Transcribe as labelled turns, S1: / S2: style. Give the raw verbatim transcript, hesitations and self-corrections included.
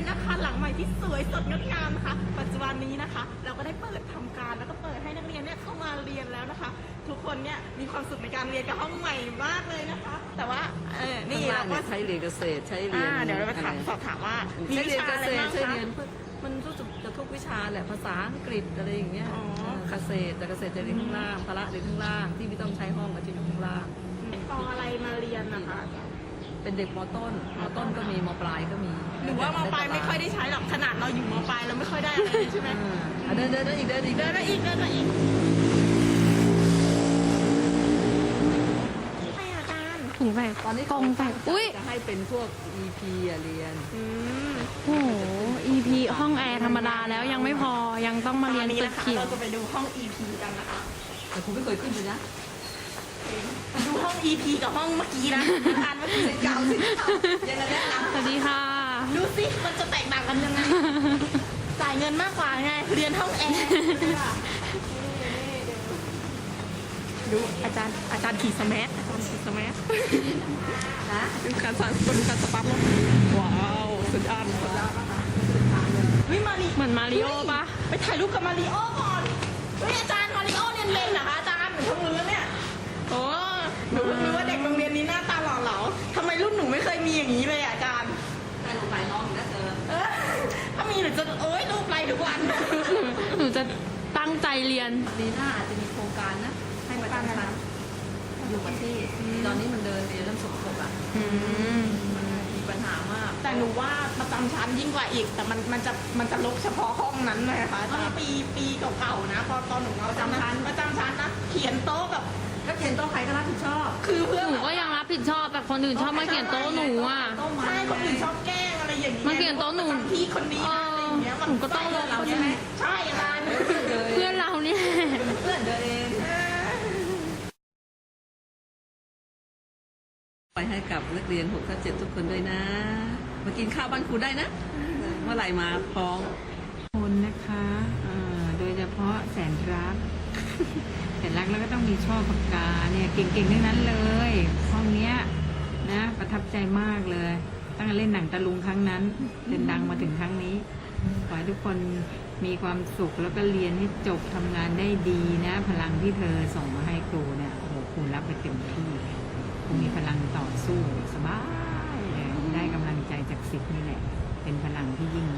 S1: เป็นอาคารหลังใหม่ที่สวยสดงดงามนะคะปัจจุบันนี้นะคะ เราก็ได้เปิดทำการแล้วก็เปิดให้นักเรียนเนี่ยเข้ามาเรียนแล้วนะคะ ทุกคนเนี่ยมีความสุขในการเรียนกับห้องใหม่มากเลยนะคะ แต่ว่าเออนี่
S2: ข้างล่า
S1: เรา
S2: ง
S1: ก็
S2: เนี่ยใช้เรียนเกษตรใช้เรียน
S1: อ่าเดี๋ยวเราไปถาม
S2: อะไร
S1: สอบถามว่ามี
S2: ใช้
S1: วิ
S2: เรียน
S1: ชา
S2: เก
S1: อะไร
S2: ษตร
S1: บ้าง
S2: ใช้
S1: คะ
S2: เรียนเพื่อมันรู้สึกจะทุกวิชาแหละภาษาอังกฤษอะไรอย่างเงี้ย
S1: อ๋อ
S2: เออเกษตรแต่เกษตรจะเรียนข้างล่างพละเรียนข้างล่างที่ไม่ต้องใช้ห้องก็จะอยู่ข้างล่าง
S1: ปออะไรมาเรียนนะคะ
S2: เป็นเด็กมต้นมต้นก็มีมปลายก็มี
S1: หรือว่ามปลายไม่ค่อยได้ใช้หรอกขนาดเราอยู่มปลายเราไม่ค่อยได้อะไรเลยใช่ไหม
S2: อ่าอ่ะเดินเดินเดินอีกเดินอีก
S1: เดินมาอีกเดินมาอีกให้อาจารย์
S3: ถุงแบก
S2: ตอนนี้
S3: กล่องแบกอุ้ย
S2: จะให้เป็นพวก อี พี อ่ะเรียน
S1: อืม
S3: โอ้โห อี พี ห้องแอร์ธรรมดาแล้วยังไม่พอยังต้องมาเรียน
S1: ตอนนี้
S3: ตึก
S1: นะคะ
S3: เขีย
S1: เรา
S3: ว
S1: จะไปดูห้อง อี พี กันนะคะ
S2: แต่ครูไม่เคยขึ้นเลยนะ
S1: ดูห้อง อี พี กับห้องเมื่อกี้นะอ่านเมื่อกี้เก่าสิเก่ายังไงนะ
S3: สวัสดีค่ะ
S1: ดูสิมันจะแตกต่างกันยังไงจ่ายเงินมากกว่าไงเรียนห้องแอร์ดูอาจารย์อาจารย์ขี่สแมัอาจารย์ขี่สแมั
S2: นะ
S1: ดูการสั่นดูการสปั๊บว้าวสุดยอดสุดยอดวิมาริ
S3: เหมือนมาริโอปะ
S1: ไปถ่ายรูปกับมาริโอก่อนเฮ้ยอาจารย์มาริโอเรียนเลนเหรอคะอาจารย์หนูทำมือแล้วเนี่ยโอ้หนูเพิ่งรู้ว่าเด็กโรงเรียนนี้หน้าตาหล่อเหลาทำไมรุ่นหนูไม่เคยมีอย่างนี้เลยอะอาจารย์
S2: ไปลงไปน้องอีกแล้วเจอ
S1: เออถ้ามีหนูจะโอ๊ยรูปไรทุกวัน
S3: หนูจะตั้งใจเรียน
S2: ปีหน้าอาจจะมีโครงการนะ ให้ประจำชั้นอยู่กับที่ตอนนี้มันเดินเรียนเรื่องสกปรกอ่ะ
S3: อืม
S2: มันมีปัญหามาก
S1: แต่หนูว่าประจำชั้นยิ่งกว่าอีก แต่มันมันจะมันจะลกเฉพาะห้องนั้นเลยค่ะตอนปีปีเก่าๆนะพอตอนหนูมาประจำชั้นประจำชั้นนะเขียนโต๊ะแบบ
S2: ก็เขียนโต๊ะใครก็รับผิดชอบ
S1: คือเพื่อน
S3: หนูก็ยังรับผิดชอบแบบคนอื่นชอบมาเขียนโต๊ะหนูอ่ะ
S1: ใช่คนอื่นชอบแกล้งอะไรอย่างเงี้ย
S3: มาเขียนโต๊ะหนู
S1: ประจำพี่คนนี้นะอะไรอย่างเงี้ย
S3: หนูก็ต้องลง
S1: เรา
S3: คน
S1: ใช่ไหม
S3: นี้
S1: ใช่อาจารย์
S3: เพื่อนเราเนี่ย
S2: เพื่อนเดินเองไปให้กับนักเรียนหกทับเจ็ดทุกคนด้วยนะ มากินข้าวบ้านครูได้นะ เมื่อไหร่มาพร้อม
S4: คนนะคะเอ่อโดยเฉพาะแสนรัก แสนรักแล้วก็ต้องมีช่อปากกาเนี่ยเก่งๆทั้งนั้นเลย ห้องเนี้ยนะประทับใจมากเลย ตั้งแต่เล่นหนังตะลุงครั้งนั้นจนดังมาถึงครั้งนี้ ขอให้ทุกคนมีความสุขแล้วก็เรียนให้จบทำงานได้ดีนะ พลังที่เธอส่งมาให้ครูเนี่ยโอ้โหครูรับไปเต็มที่ครูมีพลังต่อสู้สบายเลยได้กำลังใจจากสิทธิ์นี่แหละ เป็นพลังที่ยิ่ง